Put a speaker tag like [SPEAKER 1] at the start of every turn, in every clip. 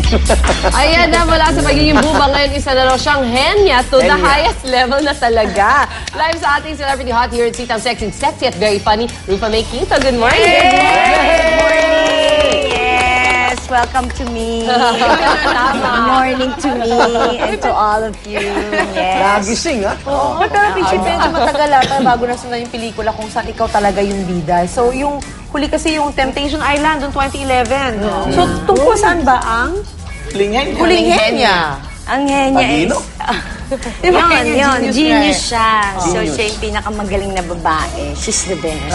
[SPEAKER 1] Ayan na, mula sa pagiging buba, ngayon isa na raw siyang henya to the highest level na talaga. Live sa ating Celebrity Hot here at Sitang Sexy at very funny, Rufa May Quinto. Good morning!
[SPEAKER 2] Good morning! Yes, welcome to me. Good morning to me and to all of you. Yes.
[SPEAKER 3] Nagising, ha?
[SPEAKER 4] Oo, pero Pichi, medyo matagal ata bago nasunod yung pelikula kung saan ikaw talaga yung bida. So, yung huli kasi yung Temptation Island noong 2011. So, tungkol saan ba ang Huling Henya?
[SPEAKER 2] Ang henya is... Yun, genius siya. So,
[SPEAKER 3] Genius.
[SPEAKER 2] siya yung pinakamagaling na babae. She's the best.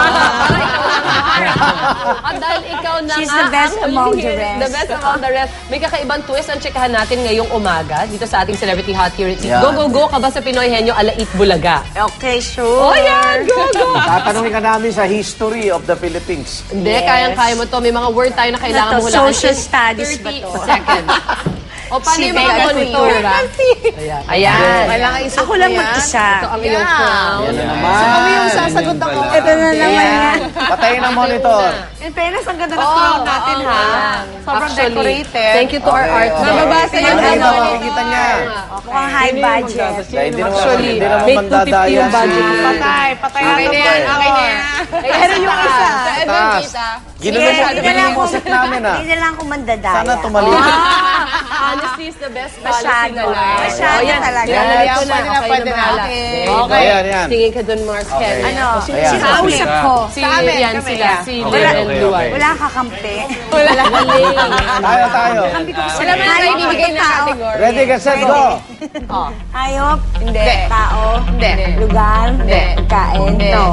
[SPEAKER 1] At dahil ikaw na
[SPEAKER 2] She's the best among the rest.
[SPEAKER 1] The best among the rest. May kakaibang twist ang tsikahan natin ngayong umaga dito sa ating Celebrity Hot here at
[SPEAKER 3] Yan.
[SPEAKER 1] Go, go, go ka ba sa Pinoy Henyo Alait Bulaga?
[SPEAKER 2] Okay, sure.
[SPEAKER 1] Oh, yan! Go, go!
[SPEAKER 3] Tatanungin ka namin sa history of the Philippines.
[SPEAKER 1] Hindi,
[SPEAKER 2] Yes.
[SPEAKER 1] kayang-kaya mo to. May mga word tayo na kailangan
[SPEAKER 2] Ano
[SPEAKER 1] mo
[SPEAKER 2] to,
[SPEAKER 1] hulaan.
[SPEAKER 2] social
[SPEAKER 1] in
[SPEAKER 2] studies ba
[SPEAKER 1] 30
[SPEAKER 2] to?
[SPEAKER 1] seconds. O, paano yung mga
[SPEAKER 2] Civic
[SPEAKER 1] monitora? Ayan. Ayan.
[SPEAKER 4] Kailangan isuot
[SPEAKER 2] Ako lang
[SPEAKER 4] mo yan.
[SPEAKER 2] mag-isa.
[SPEAKER 1] Ito ang iyong crown.
[SPEAKER 3] Yan na naman.
[SPEAKER 4] So, kami yung sasagot ako.
[SPEAKER 2] Ito na naman yan.
[SPEAKER 3] Patayin ang monitor.
[SPEAKER 4] In fairness, ang ganda ng crown natin, ha? Sobrang
[SPEAKER 1] Actually,
[SPEAKER 4] decorated.
[SPEAKER 1] thank you to our
[SPEAKER 3] Okay,
[SPEAKER 1] artist.
[SPEAKER 3] okay.
[SPEAKER 4] Mababasa yung
[SPEAKER 3] Ano,
[SPEAKER 4] ano.
[SPEAKER 3] makikita niya.
[SPEAKER 2] Mukhang high budget.
[SPEAKER 3] Dahil di naman,
[SPEAKER 1] Actually,
[SPEAKER 3] hindi naman
[SPEAKER 1] may 250
[SPEAKER 3] mandadaya
[SPEAKER 1] yung budget.
[SPEAKER 4] Patay na
[SPEAKER 3] Okay na
[SPEAKER 4] yan.
[SPEAKER 3] yan,
[SPEAKER 4] Okay na yan. Pero yung isa.
[SPEAKER 1] Sa Edwin,
[SPEAKER 3] Taas.
[SPEAKER 1] kita.
[SPEAKER 3] Ginulo mo,
[SPEAKER 2] Hindi na
[SPEAKER 3] ginulo
[SPEAKER 2] lang
[SPEAKER 3] mo set namin, ha?
[SPEAKER 2] Hindi na lang ako mandadaya.
[SPEAKER 3] Sana tumali.
[SPEAKER 1] Honesty is the best policy
[SPEAKER 2] Masyado.
[SPEAKER 1] na lang.
[SPEAKER 2] Masyado talaga.
[SPEAKER 1] Yan,
[SPEAKER 4] Yan,
[SPEAKER 1] ko na.
[SPEAKER 4] pwede na,
[SPEAKER 1] Okay
[SPEAKER 4] pwede
[SPEAKER 1] na
[SPEAKER 4] na.
[SPEAKER 1] bahala.
[SPEAKER 4] Okay.
[SPEAKER 1] Okay.
[SPEAKER 3] Ayan, yan.
[SPEAKER 1] Tingin ka dun, Mars Ken.
[SPEAKER 3] Okay.
[SPEAKER 2] Ano?
[SPEAKER 3] Ayan.
[SPEAKER 2] Sino kausap ko?
[SPEAKER 1] Si,
[SPEAKER 4] Sa amin,
[SPEAKER 1] yan
[SPEAKER 4] kami,
[SPEAKER 1] sila.
[SPEAKER 4] yeah.
[SPEAKER 1] Si Lynn Luan.
[SPEAKER 2] Wala kakampi.
[SPEAKER 1] Wala.
[SPEAKER 3] Tayo.
[SPEAKER 1] Wala man tayo ibibigay na category.
[SPEAKER 3] Ready, get set, go.
[SPEAKER 2] Hayop?
[SPEAKER 4] Hindi.
[SPEAKER 2] Tao?
[SPEAKER 4] Hindi.
[SPEAKER 2] Lugar?
[SPEAKER 4] Hindi.
[SPEAKER 2] Pagkain?
[SPEAKER 4] Hindi.
[SPEAKER 2] No.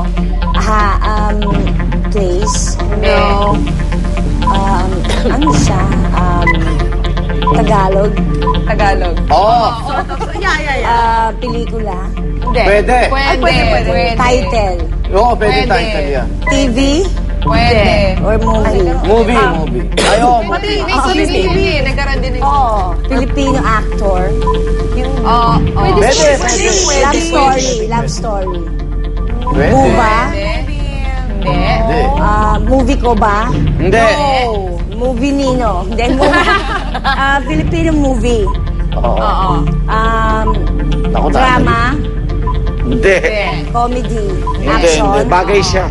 [SPEAKER 2] Place?
[SPEAKER 4] Hindi.
[SPEAKER 2] No. Ano siya? Tagalog?
[SPEAKER 4] Tagalog.
[SPEAKER 3] Oh,
[SPEAKER 2] Pelikula?
[SPEAKER 4] Hindi.
[SPEAKER 3] pwede.
[SPEAKER 4] Pwede.
[SPEAKER 2] Title?
[SPEAKER 3] Oo, pwede
[SPEAKER 4] Pwede.
[SPEAKER 3] title yan.
[SPEAKER 2] TV?
[SPEAKER 4] Pwede.
[SPEAKER 2] Or movie?
[SPEAKER 3] Movie. Ayaw,
[SPEAKER 4] Pati, may TV. Nagkaroon din ng...
[SPEAKER 2] Oo. Filipino actor?
[SPEAKER 4] Pwede.
[SPEAKER 3] Pwede.
[SPEAKER 2] Love story?
[SPEAKER 3] Pwede.
[SPEAKER 2] Buba?
[SPEAKER 4] Hindi.
[SPEAKER 3] Hindi.
[SPEAKER 2] Movie ko ba?
[SPEAKER 3] Hindi.
[SPEAKER 2] Movie Nino? Hindi, movie. Filipino movie?
[SPEAKER 3] Oo. Naku,
[SPEAKER 2] Drama?
[SPEAKER 3] Hindi.
[SPEAKER 2] Comedy?
[SPEAKER 3] Hindi.
[SPEAKER 2] Action?
[SPEAKER 3] Bagay siya.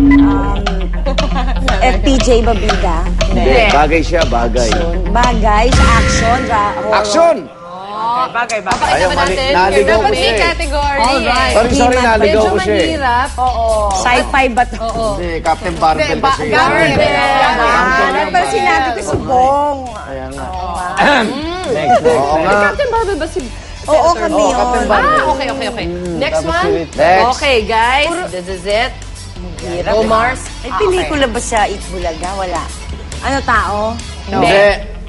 [SPEAKER 2] FPJ Babida?
[SPEAKER 3] Hindi. Bagay siya, bagay.
[SPEAKER 2] Bagay? Action? Horror?
[SPEAKER 3] Action!
[SPEAKER 4] Bagay.
[SPEAKER 3] Ayaw, naligaw ko siya eh.
[SPEAKER 4] category.
[SPEAKER 1] Alright.
[SPEAKER 3] Sorry, naligaw ko siya eh.
[SPEAKER 1] mahirap.
[SPEAKER 2] Sci-fi ba to?
[SPEAKER 3] Hindi, Captain Barbell kasi.
[SPEAKER 2] Pero sinabi ko si Bong.
[SPEAKER 3] Ayan nga. Next. Oo nga.
[SPEAKER 1] Captain Barbell ba si...
[SPEAKER 2] Oo, kami
[SPEAKER 3] Oo, Captain
[SPEAKER 2] yun.
[SPEAKER 3] Barbell.
[SPEAKER 1] Okay. Next
[SPEAKER 3] Tapos
[SPEAKER 1] one.
[SPEAKER 3] ulit. Next.
[SPEAKER 1] Okay, guys. This is it. Go, Mars.
[SPEAKER 2] May pelikula ba sa Itbulaga? Wala. Ano tao?
[SPEAKER 3] Hindi.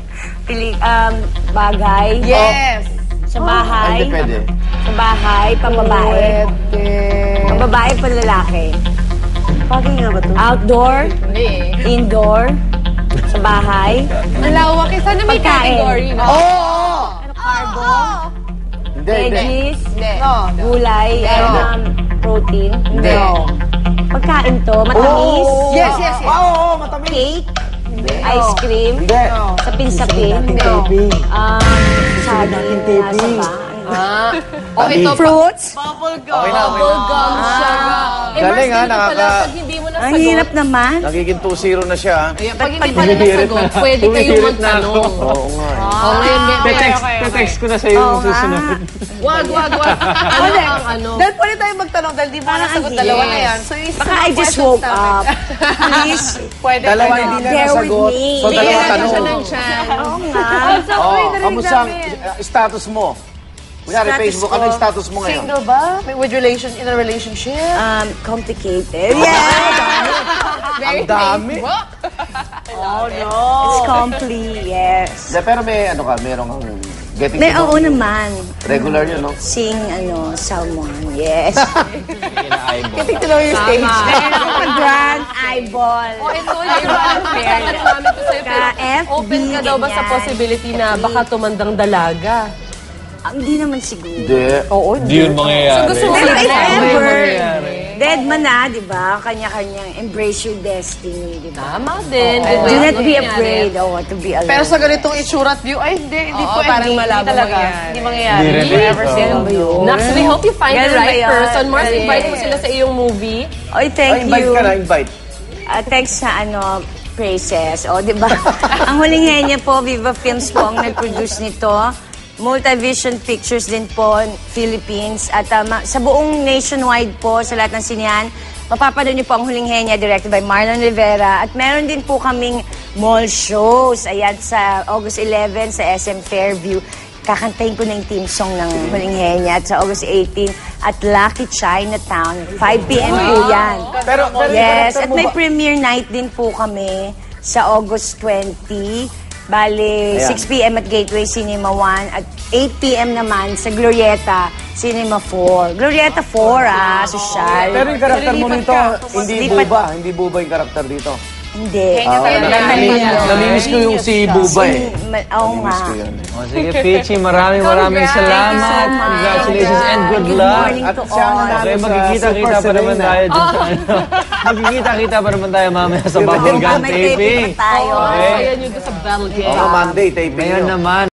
[SPEAKER 2] Bagay?
[SPEAKER 4] Yes.
[SPEAKER 2] Sa bahay?
[SPEAKER 3] Hindi pwede.
[SPEAKER 2] Sa bahay, pambabae? Pambabae, panlalaki?
[SPEAKER 4] Bagay nga ba ito?
[SPEAKER 2] Outdoor?
[SPEAKER 4] Hindi.
[SPEAKER 2] Indoor? Sa bahay?
[SPEAKER 4] Ang lawak. Sana may
[SPEAKER 2] Pagkain.
[SPEAKER 4] category. No?
[SPEAKER 2] Carbo?
[SPEAKER 3] Hindi.
[SPEAKER 2] Veggies?
[SPEAKER 4] No.
[SPEAKER 2] Gulay? Protein?
[SPEAKER 4] Hindi.
[SPEAKER 2] Pagkain to? Matamis?
[SPEAKER 4] Yes.
[SPEAKER 3] Oo, matamis.
[SPEAKER 2] Cake? Ice cream?
[SPEAKER 3] Hindi.
[SPEAKER 2] Sapin-sapin? Saging? Nasa ba?
[SPEAKER 1] Okay, ito.
[SPEAKER 2] Fruits?
[SPEAKER 3] Okay na.
[SPEAKER 1] Bubblegum siya.
[SPEAKER 3] Galing, ha,
[SPEAKER 1] Pag hindi mo
[SPEAKER 2] Ang
[SPEAKER 1] nasagot,
[SPEAKER 2] hirap naman.
[SPEAKER 3] Nagiging 2-0 na siya, ha?
[SPEAKER 1] pag hindi pa nasagot, pwede kayong magtanong.
[SPEAKER 3] Oo nga.
[SPEAKER 1] Oh, ngayon,
[SPEAKER 5] Text ko na sa'yo yung susunod.
[SPEAKER 1] wag. Ano ang ano?
[SPEAKER 4] Dahil pwede tayo magtanong dahil di ba
[SPEAKER 2] Parang
[SPEAKER 4] nasagot
[SPEAKER 2] yes.
[SPEAKER 4] dalawa na yan. So, yung
[SPEAKER 2] Baka I just woke up. Please,
[SPEAKER 4] Pwede.
[SPEAKER 3] Dalawa hindi na
[SPEAKER 2] bear with
[SPEAKER 3] nasagot.
[SPEAKER 2] me.
[SPEAKER 3] So, dalawa tanong.
[SPEAKER 2] Oo nga.
[SPEAKER 3] Oo, kamusta ang status mo? Kunyari,
[SPEAKER 2] Status
[SPEAKER 3] Facebook,
[SPEAKER 2] ko.
[SPEAKER 3] ano yung status mo ngayon?
[SPEAKER 4] Single ba? In a relationship?
[SPEAKER 2] Complicated. Yeah.
[SPEAKER 3] Ang dami.
[SPEAKER 2] It's complete, yes.
[SPEAKER 3] Pero may ano ka, meron kang getting
[SPEAKER 2] May
[SPEAKER 3] to know.
[SPEAKER 2] oo naman.
[SPEAKER 3] Regular yun, no?
[SPEAKER 2] Sing, someone, yes.
[SPEAKER 4] Getting to know your stage.
[SPEAKER 2] Meron ako grand eyeball.
[SPEAKER 1] Ito, yung ano namin to sa'yo.
[SPEAKER 2] Ka-FB,
[SPEAKER 1] Open ka daw ba sa
[SPEAKER 2] ganyan.
[SPEAKER 1] possibility na baka tumandang dalaga?
[SPEAKER 2] Hindi naman siguro.
[SPEAKER 3] Hindi.
[SPEAKER 4] Oo,
[SPEAKER 5] Hindi yun mangyayari.
[SPEAKER 1] Gusto mo
[SPEAKER 2] Pero if
[SPEAKER 1] i-try?
[SPEAKER 2] ever, Dead man na, di ba? Kanya-kanyang embrace your destiny, di ba?
[SPEAKER 1] Tama din.
[SPEAKER 2] Do not be afraid to be alone.
[SPEAKER 4] Pero sa ganitong itsura at view, ay hindi po.
[SPEAKER 1] parang malabo
[SPEAKER 4] talaga.
[SPEAKER 1] mangyari.
[SPEAKER 4] Hindi mangyayari.
[SPEAKER 5] Hindi rin.
[SPEAKER 4] Hindi ever seen
[SPEAKER 2] Ganun ba yun?
[SPEAKER 1] Nax, we hope you find the
[SPEAKER 2] Ganun ba
[SPEAKER 1] right
[SPEAKER 2] yan?
[SPEAKER 1] person. Mars,
[SPEAKER 2] Yes.
[SPEAKER 1] invite mo sila sa iyong movie.
[SPEAKER 2] Oy, thank
[SPEAKER 3] Invite
[SPEAKER 2] you.
[SPEAKER 3] ka na, invite.
[SPEAKER 2] Thanks sa praises. O, di ba? Ang Huling Henya po, Viva Films po ang nag-produce nito. Multivision Pictures din po, Philippines. At sa buong nationwide po, sa lahat ng sinihan, mapapanood niyo po ang Huling Henya, directed by Marlon Rivera. At meron din po kaming mall shows. Ayan, sa August 11 sa SM Fairview. Kakantahin ko na yung team song ng Huling Henya. At sa August 18 at Lucky Chinatown. 5 p.m. po yan.
[SPEAKER 3] Pero
[SPEAKER 2] Yes,
[SPEAKER 3] karakter
[SPEAKER 2] at
[SPEAKER 3] mo
[SPEAKER 2] may
[SPEAKER 3] ba-
[SPEAKER 2] premiere night din po kami sa August 20. Bale,
[SPEAKER 3] Ayan.
[SPEAKER 2] 6 p.m. at Gateway Cinema 1 at 8 p.m. naman sa Glorieta Cinema 4. Glorieta 4, sosyal.
[SPEAKER 3] Pero yung karakter mo nito, hindi
[SPEAKER 2] Lipat-
[SPEAKER 3] buba. Hindi buba yung karakter dito.
[SPEAKER 2] Hindi.
[SPEAKER 3] Namimiss ko yung si Buba eh.
[SPEAKER 2] Oo nga.
[SPEAKER 3] Namimiss ko yun.
[SPEAKER 5] O, sige, Peachy, maraming salamat.
[SPEAKER 2] so much.
[SPEAKER 5] Congratulations and good
[SPEAKER 2] Good
[SPEAKER 5] luck.
[SPEAKER 2] morning
[SPEAKER 3] At
[SPEAKER 2] to
[SPEAKER 3] siya ang
[SPEAKER 2] all.
[SPEAKER 3] nanalo
[SPEAKER 5] Okay,
[SPEAKER 3] sa
[SPEAKER 5] magkikita-kita
[SPEAKER 3] Super
[SPEAKER 5] pa naman
[SPEAKER 3] Serena.
[SPEAKER 5] tayo dun sa ano. Magkikita-kita pa naman tayo mamaya sa Bubble Gun
[SPEAKER 2] May
[SPEAKER 5] taping.
[SPEAKER 2] taping pa tayo.
[SPEAKER 5] Okay.
[SPEAKER 1] Ayan yun doon sa Battle Game.
[SPEAKER 3] Oo, Monday, taping
[SPEAKER 5] Ngayon
[SPEAKER 3] yun.
[SPEAKER 5] naman,